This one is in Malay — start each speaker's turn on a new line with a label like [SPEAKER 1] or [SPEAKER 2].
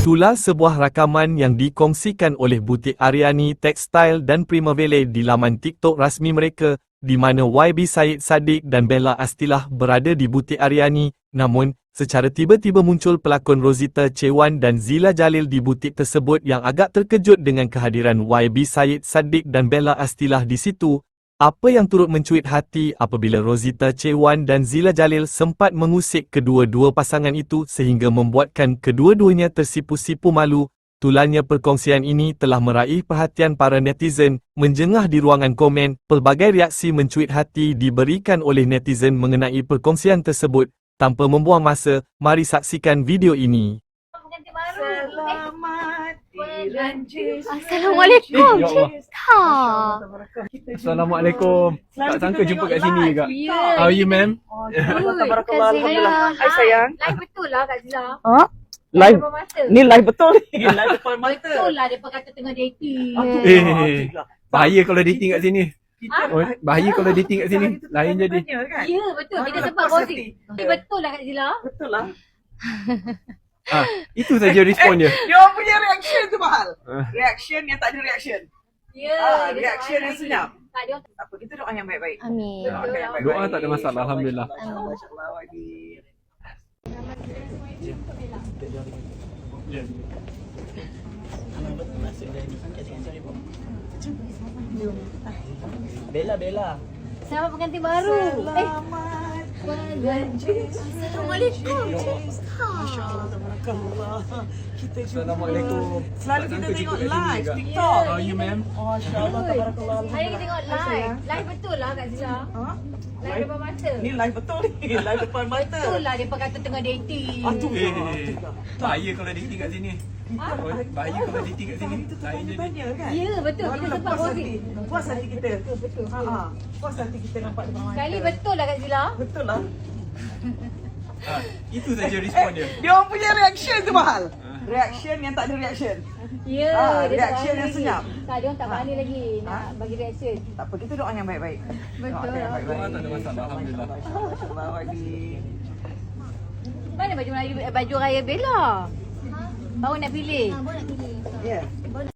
[SPEAKER 1] Itulah sebuah rakaman yang dikongsikan oleh butik Aryani Textile dan Primavera di laman TikTok rasmi mereka, di mana YB Syed Saddiq dan Bella Astilah berada di butik Aryani. Namun, secara tiba-tiba muncul pelakon Rosita Chewan dan Zila Jalil di butik tersebut yang agak terkejut dengan kehadiran YB Syed Saddiq dan Bella Astilah di situ. Apa yang turut mencuit hati apabila Rosita Chewan dan Zila Jalil sempat mengusik kedua-dua pasangan itu sehingga membuatkan kedua-duanya tersipu-sipu malu. Tularnya perkongsian ini telah meraih perhatian para netizen. Menjengah di ruangan komen, pelbagai reaksi mencuit hati diberikan oleh netizen mengenai perkongsian tersebut. Tanpa membuang masa, mari saksikan video ini.
[SPEAKER 2] Selamat dilanjut.
[SPEAKER 3] Assalamualaikum.
[SPEAKER 4] Ya Allah.
[SPEAKER 3] Ha.
[SPEAKER 4] Assalamualaikum. Tak sangka jumpa kat sini juga.
[SPEAKER 3] Ya.
[SPEAKER 4] How are you, ma'am?
[SPEAKER 2] Tabarakallah. Alhamdulillah.
[SPEAKER 3] Hai,
[SPEAKER 2] Hai sayang.
[SPEAKER 3] Live betul lah Kak Zila.
[SPEAKER 2] Ha?
[SPEAKER 3] Live
[SPEAKER 2] Live.
[SPEAKER 3] depan mata.
[SPEAKER 2] Ni live betul ni. Live depan mata.
[SPEAKER 3] Betul lah dia kata tengah dating.
[SPEAKER 4] Bahaya kalau dating kat sini.
[SPEAKER 2] Kita
[SPEAKER 4] Oh, bahaya kalau dating kat sini. Lain jadi.
[SPEAKER 3] Ya betul. Kita
[SPEAKER 2] Mana
[SPEAKER 3] sempat
[SPEAKER 2] puas
[SPEAKER 3] gosip.
[SPEAKER 2] hati.
[SPEAKER 3] Tapi betul lah Kak Zila.
[SPEAKER 2] Betul lah.
[SPEAKER 4] Itu saja respon dia.
[SPEAKER 2] Dia orang punya reaction tu mahal.
[SPEAKER 4] Ah.
[SPEAKER 2] Reaction yang tak ada reaction.
[SPEAKER 3] Ya. dia
[SPEAKER 2] reaction
[SPEAKER 3] tak
[SPEAKER 2] yang senyap.
[SPEAKER 3] Tak dia.
[SPEAKER 2] Tak apa, kita doa yang baik-baik.
[SPEAKER 3] Amin.
[SPEAKER 2] Doa yang baik-baik.
[SPEAKER 4] Doa tak ada masalah, Alhamdulillah.
[SPEAKER 2] Masya-Allah Wadi.
[SPEAKER 5] Bella.
[SPEAKER 3] Selamat pengantin baru.
[SPEAKER 2] Selamat berlanjut.
[SPEAKER 3] Assalamualaikum. Ha.
[SPEAKER 2] Tabarakallah. Kita jumpa.
[SPEAKER 4] Assalamualaikum.
[SPEAKER 2] Selalu
[SPEAKER 4] Tak
[SPEAKER 2] kita
[SPEAKER 4] sangka
[SPEAKER 2] tengok
[SPEAKER 4] jumpa kat sini
[SPEAKER 2] live
[SPEAKER 4] juga.
[SPEAKER 2] TikTok.
[SPEAKER 4] How are you, ma'am?
[SPEAKER 2] Masya-Allah tabarakallah.
[SPEAKER 3] Hari kita tengok live. Live betul lah Kak Zila.
[SPEAKER 2] Ha?
[SPEAKER 3] Live depan mata.
[SPEAKER 2] Ni live betul ni. Live depan mata.
[SPEAKER 3] Betul lah dia kata tengah dating.
[SPEAKER 2] Aduh.
[SPEAKER 4] Bahaya kalau dating kat sini. Bahaya kalau dating kat sini.
[SPEAKER 2] Kita
[SPEAKER 4] Lain jadi.
[SPEAKER 2] tanya kan?
[SPEAKER 3] Ya betul. Kita
[SPEAKER 2] Barulah
[SPEAKER 3] sempat
[SPEAKER 2] puas
[SPEAKER 3] gosip.
[SPEAKER 2] hati. Puas hati kita.
[SPEAKER 3] Betul.
[SPEAKER 2] Ha. Puas hati kita nampak depan mata.
[SPEAKER 3] Sekali betul lah Kak Zila.
[SPEAKER 2] Betul lah.
[SPEAKER 4] Itu saja respon dia.
[SPEAKER 2] Dia orang punya reaction tu mahal. Reaction yang tak ada reaction.
[SPEAKER 3] Ya, dia
[SPEAKER 2] reaction
[SPEAKER 3] tak
[SPEAKER 2] yang
[SPEAKER 3] berani.
[SPEAKER 2] senyap.
[SPEAKER 3] Tak, dia orang tak berani lagi nak bagi reaction.
[SPEAKER 2] Tak apa, kita doa yang baik-baik.
[SPEAKER 3] Betul.
[SPEAKER 2] Doa yang baik-baik.
[SPEAKER 4] Doa tak ada masalah, Alhamdulillah.
[SPEAKER 2] Masya-Allah Wadi.
[SPEAKER 3] Mana baju raya Bella? Baru nak pilih.
[SPEAKER 2] Ya.